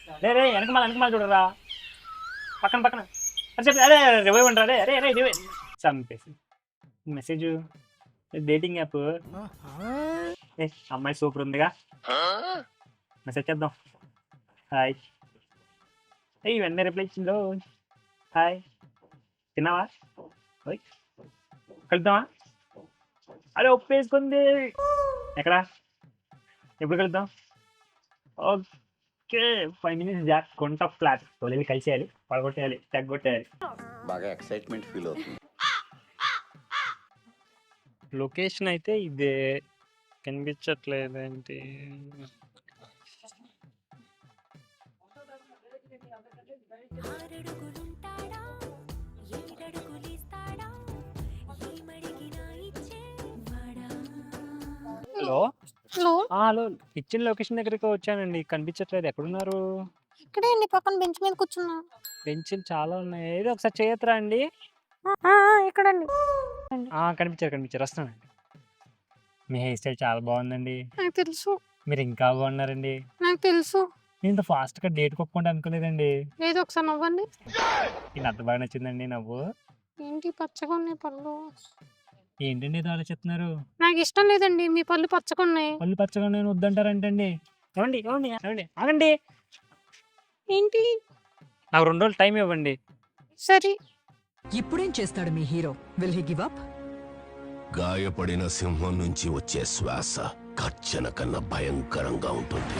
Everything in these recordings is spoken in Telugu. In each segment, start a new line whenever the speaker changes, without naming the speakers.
రే రే వెనకమాల చూడరా పక్కన పక్కన అరే చెప్పి అరే రివైవ్ అంటారా అరే అరే అరే రివైవ్ చంపేసి మెసేజ్ డేటింగ్ యాప్ ఏ అమ్మాయి సూపర్ ఉందిగా మెసేజ్ చేద్దాం హాయ్ ఏ వెంటనే రిప్లై ఇచ్చిందో హాయ్ తిన్నావా ఓయ్ కలుద్దామా అరే ఒప్పేసుకుంది ఎక్కడా ఎప్పుడు కలుద్దాం ఓకే 5 minutes జాక్ కొంట ఫ్లాట్ తొలి కలిసేయాలి పడగొట్టేయాలి తగ్గొట్టేయాలి
బాగా ఎక్సైట్మెంట్ ఫీల్ అవుతుంది.
లొకేషన్ అయితే ఇదే కనిపించట్లేదు ఏంటి హలో
హలో
హలో ఇచ్చిన లొకేషన్ దగ్గరికి వచ్చానండి కనిపించట్లేదు ఎక్కడున్నారు
ఇక్కడే అండి పక్కన బెంచ్ మీద కూర్చున్నా
బెంచ్లు చాలా ఉన్నాయి ఏదో ఒకసారి చేయొద్దురా అండి
ఇక్కడండి
కనిపించారు వస్తానండి మీ హెయిర్ స్టైల్ చాలా బాగుందండి
నాకు తెలుసు
మీరు ఇంకా బాగున్నారండి
నాకు తెలుసు
నేను ఇంత ఫాస్ట్గా డేట్ కొట్టుకుంటా అనుకోలేదండి
ఏదో ఒకసారి నవ్వండి
ఇది అంత బాగా నచ్చిందండి నవ్వు
ఏంటి పచ్చగా ఉన్నాయి పళ్ళు
ఏంటండి ఇది ఆలోచిస్తున్నారు
నాకు ఇష్టం లేదండి మీ పళ్ళు పచ్చగా ఉన్నాయి
పళ్ళు పచ్చగా నేను వద్దంటారంటండి ఏమండి ఏమండి ఏమండి ఆగండి
ఏంటి
నాకు 2 రోజులు టైం ఇవ్వండి
సరే
ఇప్పుడేం చేస్తాడు మీ hero will he give up
గాయపడిన సింహం నుంచి వచ్చే శ్వాస గర్జన కన్నా భయంకరంగా ఉంటుంది.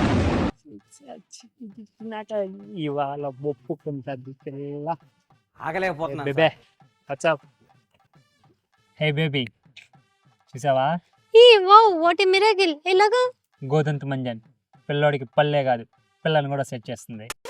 నాకు ఇవాళ ఒప్పుకుంటుంది పిల్ల
ఆగలేకపోతున్నా
బేబే వాట్సాప్ హే బేబీ చూసావా
ఈ వావ్ వాట్ ఎ మిరాకిల్ ఎలాగా
గోధుమ మంజన్ పిల్లోడికి పల్లే కాదు పిల్లని కూడా సెట్ చేస్తుంది